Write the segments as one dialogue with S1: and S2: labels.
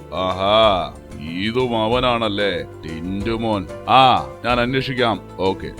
S1: ആഹാ, ഇതും അവനാണല്ലേ, ടിന്റുമോൻ. ആ, ഞാൻ അന്വേഷിക്കാം. Okay.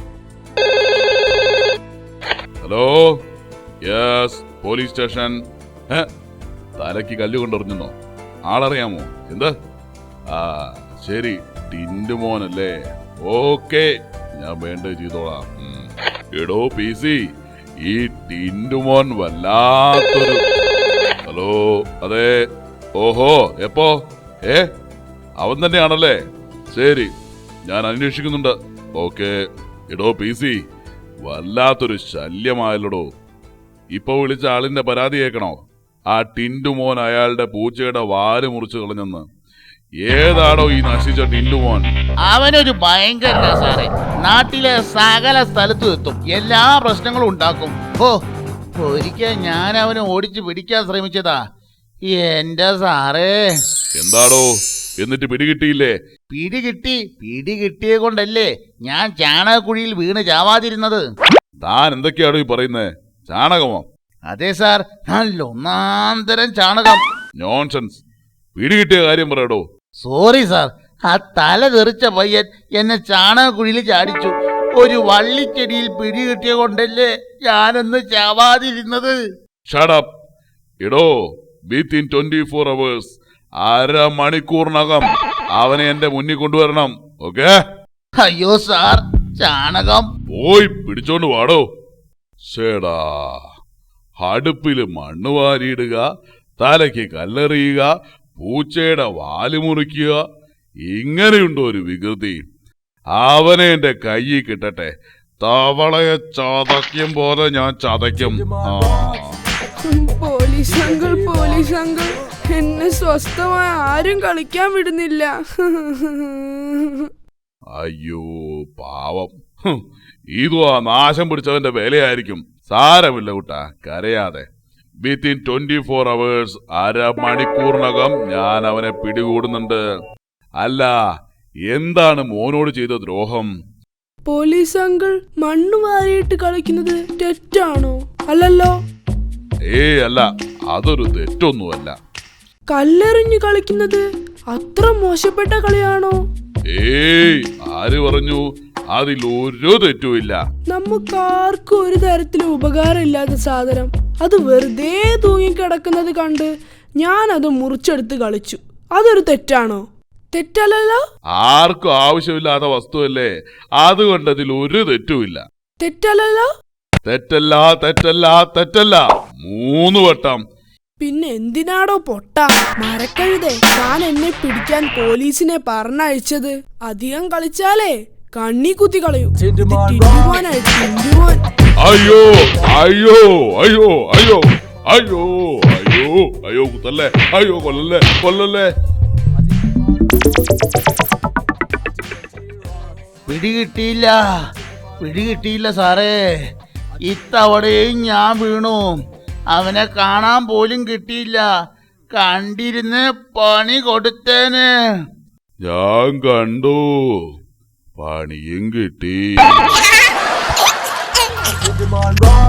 S1: Hello, yes, police station. തലയ്ക്ക് കല്ലുകൊണ്ടെറിഞ്ഞോ? ആളറിയാമോ? എന്ത്? ആ ശരി, ടിന്റുമോനല്ലേ. ഓക്കെ, ഞാൻ വേണ്ടത് ചെയ്തോളാം. എടോ പി സി, ഈ ടിന്റുമോൻ വല്ലാത്തൊരു... ഹലോ, അതെ. ഓഹോ, എപ്പോ? അവൻ തന്നെയാണല്ലേ? ശരി, ഞാൻ അന്വേഷിക്കുന്നുണ്ട്. ഓക്കെ. എടോ പി സി, വല്ലാത്തൊരു ശല്യമായല്ലോടോ. ഇപ്പൊ വിളിച്ച ആളിന്റെ പരാതി കേൾക്കണോ? ആ ടിന്റുമോൻ അയാളുടെ പൂച്ചയുടെ വാല് മുറിച്ചു കളഞ്ഞെന്ന്. ഏതാണോ ഈ നശിച്ച ടിന്റുമോൻ?
S2: അവനൊരു ഭയങ്കര സാറേ. നാട്ടിലെ സകല സ്ഥലത്തും എത്തും, എല്ലാ പ്രശ്നങ്ങളും ഉണ്ടാക്കും. ഒരിക്കൽ ഞാൻ അവനെ ഓടിച്ചു പിടിക്കാൻ ശ്രമിച്ചതാ. എന്റെ സാറേ.
S1: എന്താടോ, എന്നിട്ട് പിടികിട്ടിയില്ലേ?
S2: പിടികിട്ടിയെ കൊണ്ടല്ലേ ഞാൻ ചാണകക്കുഴിയിൽ വീണ് ചാവാതിരുന്നത്.
S1: താൻ എന്തൊക്കെയാണോ ഈ പറയുന്നേ? ചാണകമോ?
S2: അതെ സാർ, നല്ല ഒന്നാന്തരം ചാണകം.
S1: നോൺസെൻസ്. പിടികിട്ടിയ കാര്യം പറയടോ.
S2: സോറി സാർ, ആ തല തെറിച്ച പയ്യൻ എന്നെ ചാണകക്കുഴിയിൽ ചാടിച്ചു. ഒരു വള്ളിച്ചെടിയിൽ പിടികിട്ടിയ കൊണ്ടല്ലേ ഞാനൊന്ന് ചാവാതിരുന്നത്.
S1: Shut up. എടോ, വിത്തിൻ 24 hours, അരമണിക്കൂറിനകം അവനെ എന്റെ മുന്നിൽ കൊണ്ടുവരണം. ഓക്കെ?
S2: അയ്യോ സാർ, ചാണകം.
S1: പോയി പിടിച്ചോണ്ട് വാടോ. ശേടാ, അടുപ്പില് മണ്ണ് വാരിയിടുക, തലയ്ക്ക് കല്ലെറിയുക, പൂച്ചയുടെ വാല് മുറിക്കുക. ഇങ്ങനെയുണ്ടോ ഒരു വികൃതി? അവനെ എന്റെ കയ്യിൽ കിട്ടട്ടെ, തവളയെ ചതയ്ക്കും പോലെ ഞാൻ ചതയ്ക്കും.
S3: പോലീസ് അങ്കിൾ, എന്നെ സ്വസ്ഥമായി ആരും കളിക്കാൻ വിടുന്നില്ല.
S1: അയ്യോ പാവം, ഇതും ആ നാശം പിടിച്ചവന്റെ വേലയായിരിക്കും. സാരമില്ല കുട്ടാ, കരയാതെ. വിത്തിൻ 24 hours, അരമണിക്കൂറിനകം ഞാൻ അവനെ പിടികൂടുന്നുണ്ട്. അല്ല, എന്താണ് മോനോട് ചെയ്ത ദ്രോഹം?
S3: പോലീസ് അങ്കിൾ, മണ്ണ് വാരിയിട്ട് കളിക്കുന്നത് തെറ്റാണോ? അല്ലല്ലോ.
S1: അല്ല, അതൊരു തെറ്റൊന്നുമല്ല.
S3: കല്ലെറിഞ്ഞ് കളിക്കുന്നത് അത്ര മോശപ്പെട്ട കളിയാണോ?
S1: ആര് പറഞ്ഞു? അതിൽ ഒരു തെറ്റുമില്ല.
S3: നമുക്കാർക്കും ഒരു തരത്തിലും ഉപകാരമില്ലാത്ത സാധനം അത് വെറുതെ തൂങ്ങിക്കിടക്കുന്നത് കണ്ട് ഞാൻ അത് മുറിച്ചെടുത്ത് കളിച്ചു. അതൊരു തെറ്റാണോ? തെറ്റല്ലല്ലോ.
S1: ആർക്കും ആവശ്യമില്ലാത്ത വസ്തുവല്ലേ, അതുകൊണ്ട് അതിൽ ഒരു തെറ്റുമില്ല.
S3: തെറ്റല്ലല്ലോ.
S1: തെറ്റല്ല, തെറ്റല്ല, തെറ്റല്ല 3 വട്ടം.
S3: പിന്നെ എന്തിനാടോ പൊട്ട മരക്കഴുതേ താൻ എന്നെ പിടിക്കാൻ പോലീസിനെ പറഞ്ഞയച്ചത്? അധികം കളിച്ചാലേ കണ്ണി കുത്തി കളയൂ.
S1: അയ്യോ അയ്യോ അയ്യോ അയ്യോ അയ്യോ അയ്യോ അയ്യോ കുത്തല്ലേ, അയ്യോ കൊല്ലല്ലേ, കൊല്ലല്ലേ.
S2: പിടികിട്ടിയില്ല സാറേ. ഇത്തവണയും ഞാൻ വീണു. അവനെ കാണാൻ പോലും കിട്ടിയില്ല. കണ്ടിരുന്ന് പണി കൊടുത്തേന്.
S1: ഞാൻ കണ്ടു, പണിയും കിട്ടി.